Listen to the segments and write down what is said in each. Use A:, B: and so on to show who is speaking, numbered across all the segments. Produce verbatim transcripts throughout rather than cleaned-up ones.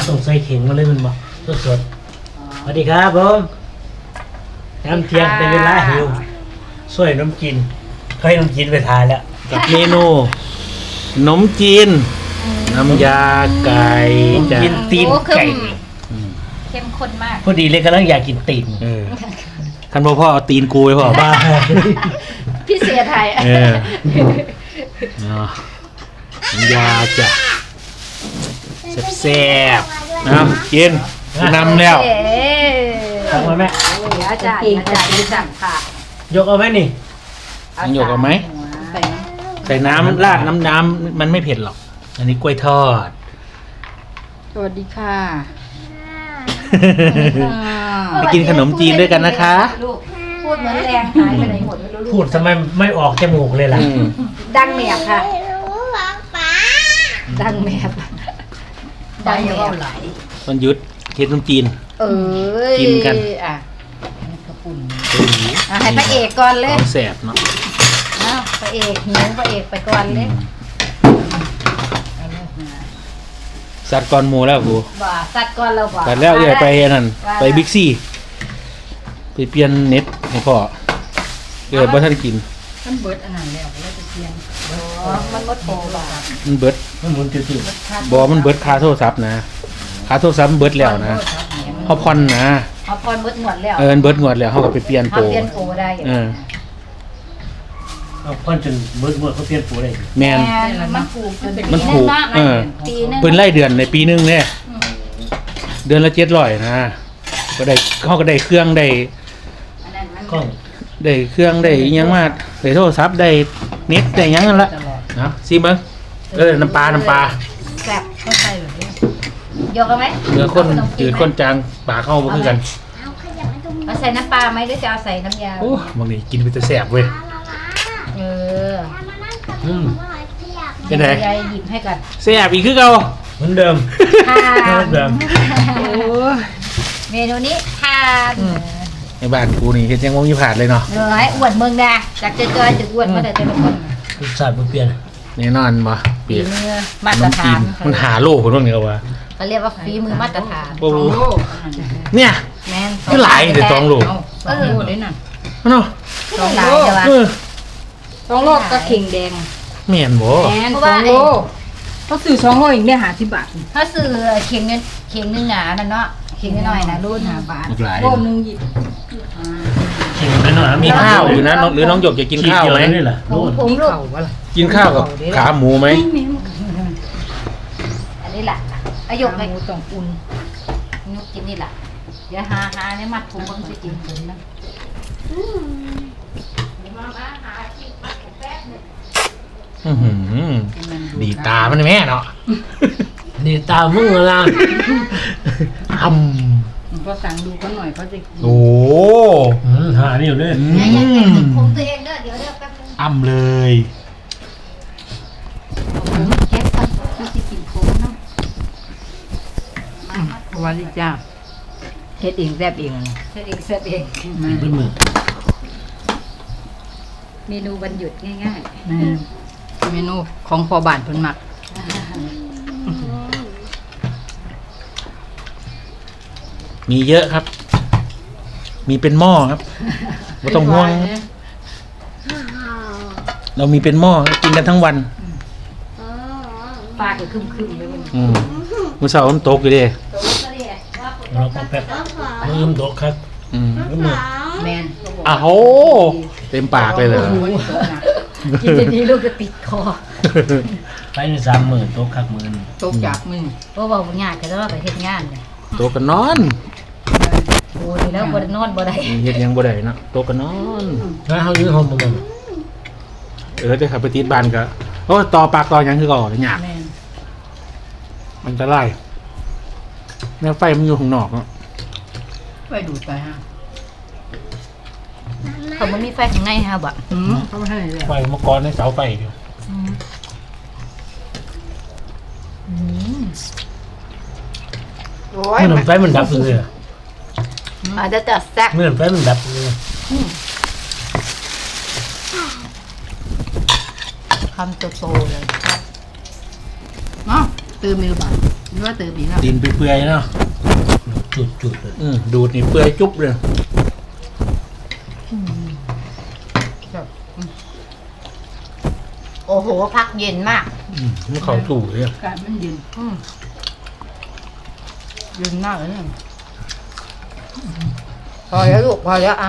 A: ต้องใส่เข่งมาเลยมันบอกสดๆสวัสดีครับผมน้ำเทียงเป็นเวลาหิวช่วยน้ำกินเขาให้น้ำกินไปทานแล้วกับเมนูขนมจีนน้ำยาไก่จะกินตีนไก่
B: เข้มข้นมาก
A: พอดีเลยกำลังอยากกินตีน
C: ท่านพ่อพ่อเอาตีนกูไปพ่อบ้า
B: พี่เสียไทย
C: เออน้ำยาจ้ะแซ่บๆนะกินนำแล้ว
A: ทำมาแม่
B: เดี๋ยวจ่ายเดี๋ยวจ่ายดีสั่งค่ะ
A: ยกเอาไหมนี่
C: ยกเอาไหมใส่น้ำราดน้ำน้ำมันไม่เผ็ดหรอกอันนี้กล้วยทอด
B: สวัสดีค่ะ
C: ไปกินขนมจีนด้วยกันนะคะ
B: พูดเหมือนแรงหายไปไหนหมดไม่รู้
A: พูดทำไมไม่ออกจมูกเลยล่ะ
B: ดังแมบค่ะดังแมบดังแมบไหล
C: มันยุดเค็ดขนมจีน
B: เออ
C: กินกัน
B: อ่ะกระปุ่นให้พระเอกก่อนเลย
C: แสบเนาะ
B: อ้าวพระเอกหิวพระเอกไปก่อนเลย
C: สัตว์ก่อนหมูแล้วกู
B: บ่สัตว์ก่อนเราบ่
C: สัตว์แล้วเดี๋ยวไปนั่นไปบิ๊กซีไปเปลี่ยนเน็ตให้พ่อเดี๋ยวบ่ท่านกิน
B: มันเบิดอันนั้นแล้วแล้วจะเปลี่ยนอ๋อมันเบิดโตบ่
C: มันเบิด
A: มันหมุนจืด
C: ๆบ่มันเบิดค่าโทรศัพท์นะค่าโทรศัพท์มันเบิดแล้วนะเฮาผ่อนนะ
B: เฮาผ่อนเบิดงวดแล้ว
C: เออเบิดงวดแล้วเฮาก็ไปเปลี่ยนโปร
B: เปลี่ยนโปรได้
C: เออ
A: เอาพ่อนจนเบิดหมดเขาเปลี่ยนปูได้
C: แม่น
B: มันผูกจน
C: มันผูกเออเป็นรายเดือนในปีนึงเนี่ยเดือนละเจ็ดร้อยนะก็ได้เขาก็ได้เครื่องได้
A: กล้อง
C: ได้เครื่องได้ยังมาได้โทรศัพท์ได้เน็ตได้ยังนั่นละนะซิมึงเออน้ำปลาน้ำปลา
B: แซ่บเข้าใจหรือยกเอาไหม
C: เนื้อข้นจืดข้นจางปลาเข้าบ่คือกัน
B: เอาใส่น้ำปลาไหมหรือจะเอาใส่น้ำยา
C: โอ้บางทีกินไปแต่แสบเว้ย
B: เออ
C: อืมเป็นไง
B: ยายหยิบให้กัน
C: แสบอีกคือเก่า
A: เหมือนเดิม
B: เหมือน
A: เดิม
B: เมนูนี้ทาน
C: ในบ้านกูนี่เห็นยังงงยี่ผาดเลยเนาะ
B: เออให้อ้วนเมืองนะจากเจอๆถึงอ้วนมาแต่แต่ละคน
A: รสชาติมันเปลี่ยน
C: แน่นอนมาเปลี่ยน
B: มาตรฐาน
C: มันหาโลคนนั้นเหรอวะ
B: เขาเรียกว่าฝีมือมาตรฐาน
C: โอ้เนี่ย
B: แม่น
C: ก็หลายเดี๋ยวสองโล
B: เออได้นั่น
C: เนาะ
B: สองหลายใช่ป่ะสองโลก็เข่งแดง
C: แม่นบ่
B: แม่นสองโลเขาซื้อสองโลอีกได้หาสิบบาทถ้าซื้อเข่งเงินเข่งนึงหนานั่นเนาะเข่งน้อยนะรุ่นหาบาทโลนึงหยิบ
A: เข่งน้อย
C: มีข้าวอยู่นะหรือน้องหยกจะกินข้าวไหม
B: ผมลูก
C: กินข้าวกับขาหมูไหม
B: อันนี้แหละอายุหมูต้องอุ่นนุกกินนี่แหละเดี๋ยวหาหาในมัดถุงมันจะกินถึงนะ
C: ดีตามันแม่เนาะ
A: ดีตามึงละ
C: ท
B: ำก็สั่งดูเขาหน่อยเขาจะ
C: โอ้
A: หานี่อยู่ด้วย
B: ผมตัวเองเด้อเดี๋ยวเดี๋ยวแป๊บนึง
C: อ้ำเลย
B: เก็บก่อนเขาจะกินผมเนาะวันนี้จ้าเฮ็ดเองแซ่บเองเฮ็ดเองแซ่บเอง
A: เป็นมือ
B: เมนูวันหยุดง่ายๆเมนูของพอบานเพิ่นมัก
C: มีเยอะครับ มีเป็นหม้อครับไม่ต้องห่วงเรามีเป็นหม้อกินกันทั้งวัน
B: ปลาก็คึมๆเลยมัน
C: อืมมื้อเช้ามันตกอยู่เด้
A: เราก็แป๊บมือมันตกครับ
C: อืม
B: แม่น
C: อ้าวเต็มปากเลยเหรอ
B: กินดีๆลูกจะติดคอ
A: ไปในสามหมื่นตกคักหมื่น
B: ตกจากมือเพราะว่าบ่ยากก็ต้องไปเฮ็ดงานเนี่ย
C: โตกันนอน
B: โอ้ยแล้วบ่ได้นอนบ่ได้
C: เฮ็ดยังบ่ได้นะโตกันนอน
A: แล้วเฮาอยู่ห้องบ่มัน
C: เออจะขับไปติดบ้านก็โอ้ต่อปากต่อหยังคือก่อยากมันจะไล่แนวไฟมันอยู่ข้างนอกเนาะ
B: ไฟดูดไปฮะเขาบ่มีไฟข้างในฮะบ่อืมเขาบ่ให้เลย
A: ไฟมะกรในเสาไฟอยู่
B: อืม
A: โอ้ยมันไฟมันดับเลย
B: อาจจะจัดแซ่บ
A: เมื่อไฟมันดับเลย
B: คำโตๆเลยเนาะตื่นมือบ่าว่าตื่นปีแล้ว
C: ดินเปื่อยๆเนาะ
A: จุดจุดเลย
C: อืมดูดนี่เปื่อยจุ๊บเลย
B: โอ้โหพักเย็นมาก
C: อืมมันเข้าสู่เลยอะ
B: การมันเย็นอืมเย็นมากเลยเนี่ยพอแล้วลูกพอแล้วอ่ะ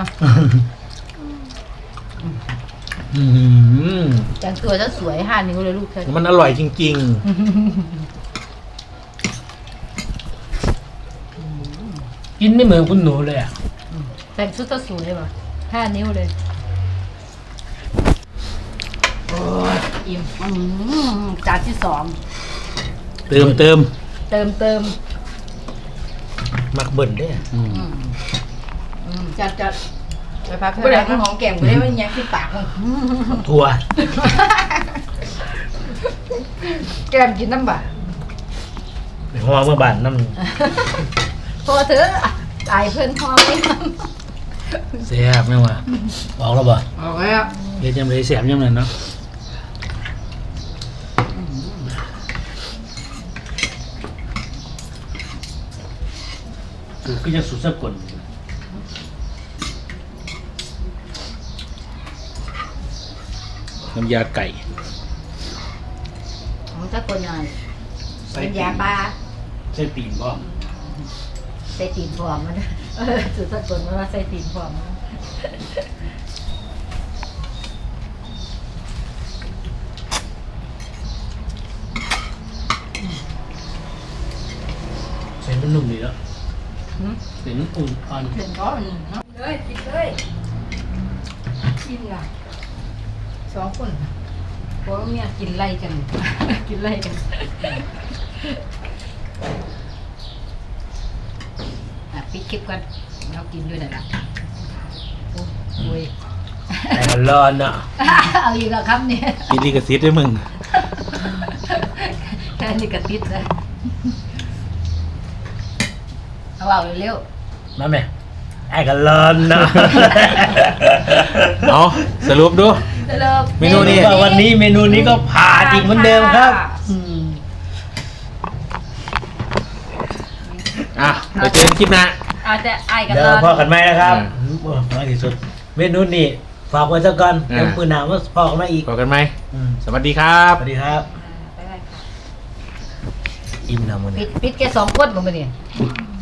C: อืม
B: แต่งตัวจะสวยห้านิ้วเลยลูกเธอ
C: มันอร่อยจริง
A: กินไม่เหมือนคุณหนูเลยอ่ะ
B: แต่งชุดจะสวยป่ะห้านิ้วเลยโอ้ยอิ่มอืมจานที่สอง
C: ๆ เติมเติม
B: เติมเติม
A: มักเบิ่นได้อะ
C: อืม
B: อืมจัดจัดไปพักเพื่อนของแก้มกูได้ไม่ยังที่ปากมึง
A: ทัว
B: แก้มกินน้ำบ่า
A: หัวเมื่อบานน้
B: พอเถอะตายเพื่อนพอไหม
A: ำเสียบไม่ว่าออกแล้วบ่
B: ออกแล้ว
C: เฮ็ดยังไงแสบยังไงเนาะ
A: คือก็ยังสุดสะกล
C: น้ำยาไก่
B: ของสักคนหน่อยเป็นยาปลา
A: ใช่ตีนบ่
B: ใส่ตีนฟอมมันเออสุดสักคนมันว่าใส่ตีนฟอมมัน
A: ใส่มันนุ่มดีแล้วใส่มันอุ่นอ่อน
B: เห็นก้อนเลยกินเลยกินละสองคนพวกเมียกินไล่กัน กินไล่กันอ่ะปิดคลิปกันเรากินด้วยนะโอ้ย
A: แต่มันร้อนอ่ะ
B: เอาอีกแล้วครับเนี่ย
C: กินลิกซิตด้วยมึง
B: แค่นี้ก็ติดเลยเอาเอาเร็ว
A: มาไหมไอ้กันร้อนอ่ะ
C: เอาสรุปดู
B: ๆเร็ว
C: เมนูนี้
A: ว่าวันนี้เมนูนี้ก็ผ่าจริงเหมือนเดิมครับอืม
C: อ่ะไปเจอกันคลิปหน้า
B: อาจจะไอ้กัน
A: เดี๋ยว
B: ร้อน
A: พอกันไหมนะครับโอ้น้อยที่สุด เมนูนี้ฝากไว้สักก่อนเดี๋ยวปืนหนาว่าพอกันไหมอีก
C: พบกันไหม
A: อืม
C: สวัสดีครับ
A: สวัสดีครับ
B: ไปๆค่ะ
A: อิ่มนะมัน
B: ปิ
A: นี้
B: ดปิดแค่สองคนบ่มาเนี่ย
A: อ